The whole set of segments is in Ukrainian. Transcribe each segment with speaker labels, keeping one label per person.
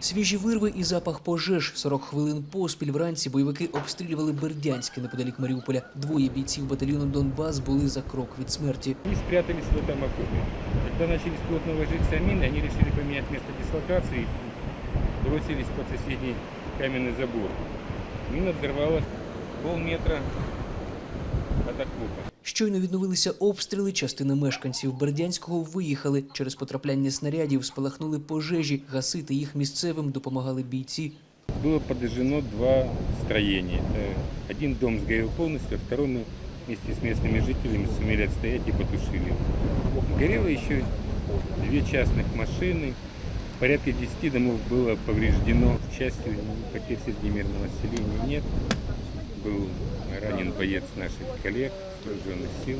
Speaker 1: Свіжі вирви і запах пожеж. 40 хвилин поспіль вранці бойовики обстрілювали Бердянське неподалік Маріуполя. Двоє бійців батальйону «Донбас» були за крок від смерті.
Speaker 2: Они спрятались в этом окопе. Когда начались плотно ложиться мины, они решили поменять место дислокации и бросились под соседний каменный забор. Мина взорвалась полметра от окопа.
Speaker 1: Щойно відновилися обстріли, частина мешканців Бердянського виїхали. Через потрапляння снарядів спалахнули пожежі. Гасити їх місцевим допомагали бійці.
Speaker 2: Было подожжено два строения. Один дом сгорел полностью, а второй мы вместе с местными жителями сумели отстоять и потушили. Горело еще две частных машины. Порядка 10 домов было повреждено. К счастью, потерь среди мирного населения нет. Был ранен боец наших коллег, вооруженных сил.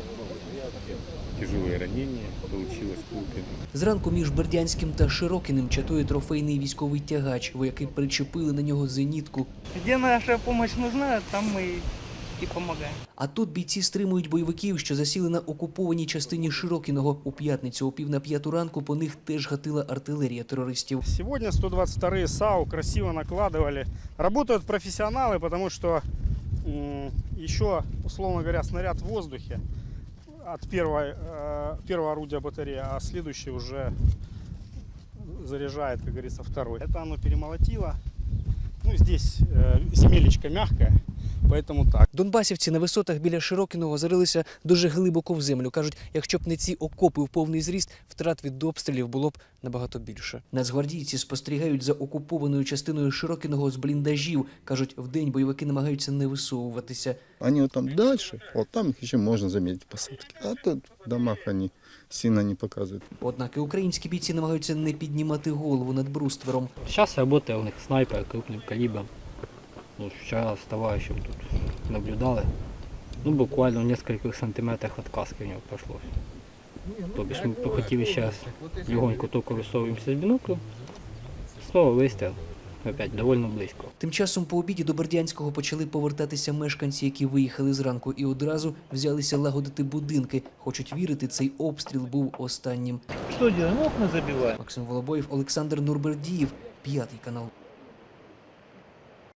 Speaker 2: Тяжелое ранение, получил осколки.
Speaker 1: Зранку між Бердянським та Широкиним чатує трофейний військовий тягач. Вояки причепили на нього зенітку.
Speaker 3: Где наша помощь нужна, там мы и помогаем.
Speaker 1: А тут бійці стримують бойовиків, що засіли на окупованій частині Широкиного. У п'ятницю о 4:45 ранку по них теж гатила артилерія терористів.
Speaker 4: Сегодня 122-е САУ красиво накладывали. Работают профессионалы, потому что еще, условно говоря, снаряд в воздухе от первого орудия батареи, а следующий уже заряжает, как говорится, второй. Это оно перемолотило. Ну, здесь земелечко мягкое, поэтому так.
Speaker 1: Донбасівці на висотах біля Широкиного зарилися дуже глибоко в землю. Кажуть, якщо б не ці окопи в повний зріст, втрат від обстрілів було б набагато більше. Нацгвардійці спостерігають за окупованою частиною Широкиного з бліндажів. Кажуть, вдень бойовики намагаються не висовуватися.
Speaker 5: Они вот там дальше, вот там их еще можно заметить посадки. А тут в домах они сильно не показывают.
Speaker 1: Однак і українські бійці намагаються не піднімати голову над бруствером.
Speaker 6: Сейчас работает у них снайпер крупным калибром. Ну, вчера с товарищем тут наблюдали. Ну, буквально в нескольких сантиметрах от каски у него прошло. То бишь мы хотели сейчас легонько только высовываемся с биноклем. Снова выстрел. Опять довольно близько.
Speaker 1: Тим часом по обіді до Бердянського почали повертатися мешканці, які виїхали зранку, і одразу взялися лагодити будинки. Хочуть вірити, цей обстріл був останнім.
Speaker 3: Что делаем? Окна забиваем.
Speaker 1: Максим Волобоєв, Олександр Нурбердієв, 5 канал.